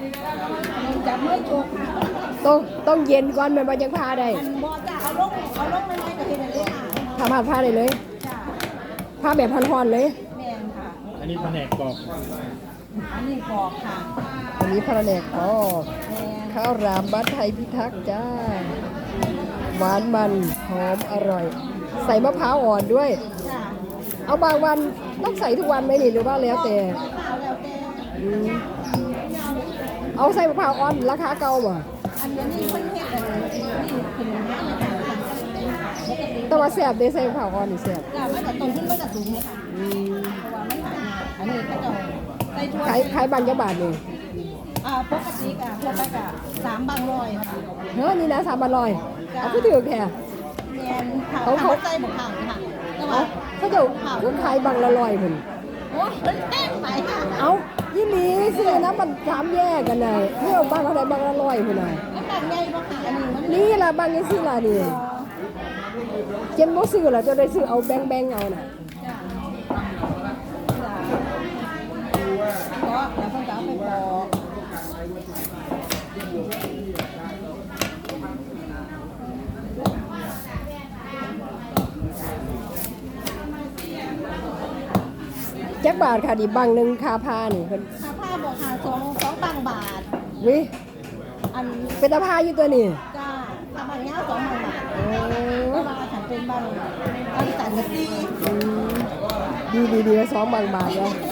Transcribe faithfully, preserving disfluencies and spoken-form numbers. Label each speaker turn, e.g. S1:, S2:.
S1: จับไม่โชกค่ะ
S2: ต้องต้องเย็นก่อนมันบ่ยังพาได้
S1: มันบ่จะเอาลงเอาลงไม่ไม่ก็เห็นเลยค่ะ
S2: ทำพาพาได้เลย
S1: จ้า
S2: พาแบบพันๆเลย
S1: แม่นค่ะ
S3: อันนี้แผนกกรอบ
S1: อันนี้กรอกค่ะ
S2: อันนี้พระแนกอ๋อ
S1: แม่น
S2: ข้าวรามบ้านไทยพิทักษ์จ้าหวานมันหอมอร่อย ใส่มะพร้าวอ่อนด้วย
S1: จ้า
S2: เอาบางวันต้องใส่ทุกวันไหมนี่หรือว่าแล้วแต่
S1: ข้าวแล้วแต่
S2: อืมเอาใส่มะพร้าวอ่อนราคาเก่าบ่
S1: อันนี้เพิ่นเฮ็ดอันนี้ขึ้นมาเลยค่ะ
S2: แต่ว่าแซ่บเด้ใส่มะพร้าวอ่อนนี่แซ่บ
S1: จ้ามันจะต้นทุนมันจะสูงเลยค่ะ
S2: อืม
S1: เพราะว่ามันหายากอันนี้ก็จะใส่ถ้วย
S2: ขายขายบางจักบาทนี่
S1: อ่าปกติก็ทั่วไปก็สามบางร้อยค่ะ
S2: เฮ้ยนี่นะสามบาทลอยเอาก็ถือแค่
S1: แม่นค่ะ
S2: เขาเขา
S1: ทำใจบ่ผ่านค่ะแต่ว่า
S2: เขาจะเขาขายบางละลอยเหมือน
S1: โอ้ยมันแพงไปค่ะ
S2: เอายี่หลีซื้อนะมันสามแยกกันเลยเที่ยวบางอะไรบางละลอยพุ่นน่ะ
S1: มันบางใหญ่บ่ค่ะอันนี้มัน
S2: นี่ล่ะบางยังซื้อล่ะนี่เจนบ่ซื้อล่ะจะได้ซื้อเอาแบงแบงเอาน่ะ
S1: จ้ะก็แล้วเพิ่นก็เอาไปปอก
S2: จักบาทค่ะดิบางหนึงคาพานี่เพิ่น
S1: ค่าผ้าบอกค่ะสองสองบางบาท
S2: วิ
S1: อัน
S2: เป็นตาพาอยู่ตัวนี่
S1: จ้าถ้าบางยาวสองบางบาท
S2: โอ้
S1: เพราะว่าถ้าเป็นบางบางสันกะตี
S2: อืมดีดีดีสองบางบาทแล้ว